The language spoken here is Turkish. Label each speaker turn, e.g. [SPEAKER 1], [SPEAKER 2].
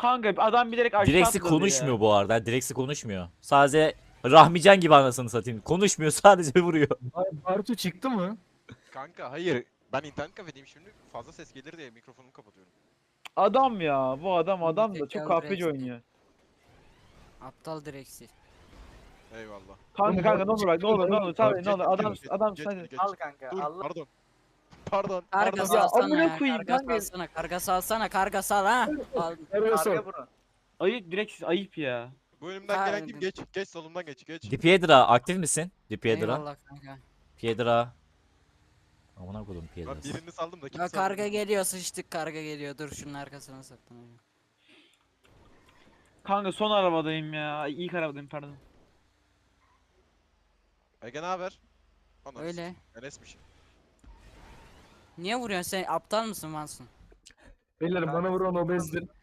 [SPEAKER 1] Kanka adam bilerek aşağı
[SPEAKER 2] Direksi
[SPEAKER 1] atladı
[SPEAKER 2] konuşmuyor
[SPEAKER 1] ya.
[SPEAKER 2] bu arada. Direksi konuşmuyor. Sadece Rahmican gibi anasını satayım. Konuşmuyor, sadece vuruyor.
[SPEAKER 3] Bartu çıktı mı?
[SPEAKER 4] Kanka hayır. Ben internet kafedeyim şimdi fazla ses gelir diye mikrofonumu kapatıyorum.
[SPEAKER 1] Adam ya. Bu adam da çok
[SPEAKER 5] Zekalı
[SPEAKER 1] KPC
[SPEAKER 5] direksi.
[SPEAKER 1] oynuyor.
[SPEAKER 5] Aptal direksi.
[SPEAKER 4] Eyvallah.
[SPEAKER 1] Kanka ne olur bak ne olur ne olur tabii ne olur adam
[SPEAKER 4] Geç,
[SPEAKER 1] adam
[SPEAKER 4] geç,
[SPEAKER 1] sen
[SPEAKER 4] geç.
[SPEAKER 3] Al kanka.
[SPEAKER 4] Dur
[SPEAKER 3] Allah.
[SPEAKER 4] pardon. Pardon.
[SPEAKER 5] Karga
[SPEAKER 4] Pardon.
[SPEAKER 5] salsana
[SPEAKER 1] amına
[SPEAKER 5] ya.
[SPEAKER 1] koyayım
[SPEAKER 5] Karga
[SPEAKER 1] kanka.
[SPEAKER 5] salsana. Karga salsana. Karga sal ha. Al.
[SPEAKER 3] Karga bunu.
[SPEAKER 1] ayıp direkt ayıp ya.
[SPEAKER 4] Bu önümden gelen kim? Geç. Geç solumdan geç. Geç.
[SPEAKER 2] Di Piedra aktif misin? Di Piedra.
[SPEAKER 5] Eyvallah kanka.
[SPEAKER 2] Piedra. Amına koydum
[SPEAKER 4] Ben
[SPEAKER 2] Piedra'sı.
[SPEAKER 4] birini saldım da
[SPEAKER 5] Ya
[SPEAKER 4] kimse
[SPEAKER 5] karga geliyor, sıçtık, karga geliyor. Dur şunun arkasına saklanayım.
[SPEAKER 1] Kanka son arabadayım ya. Ay, ilk arabadayım pardon.
[SPEAKER 4] Ege ne haber? Anasını
[SPEAKER 5] Öyle.
[SPEAKER 4] satayım, Enes'miş.
[SPEAKER 5] Niye vuruyorsun sen? Aptal mısın Mansun?
[SPEAKER 3] Beyler bana vuran obezdir.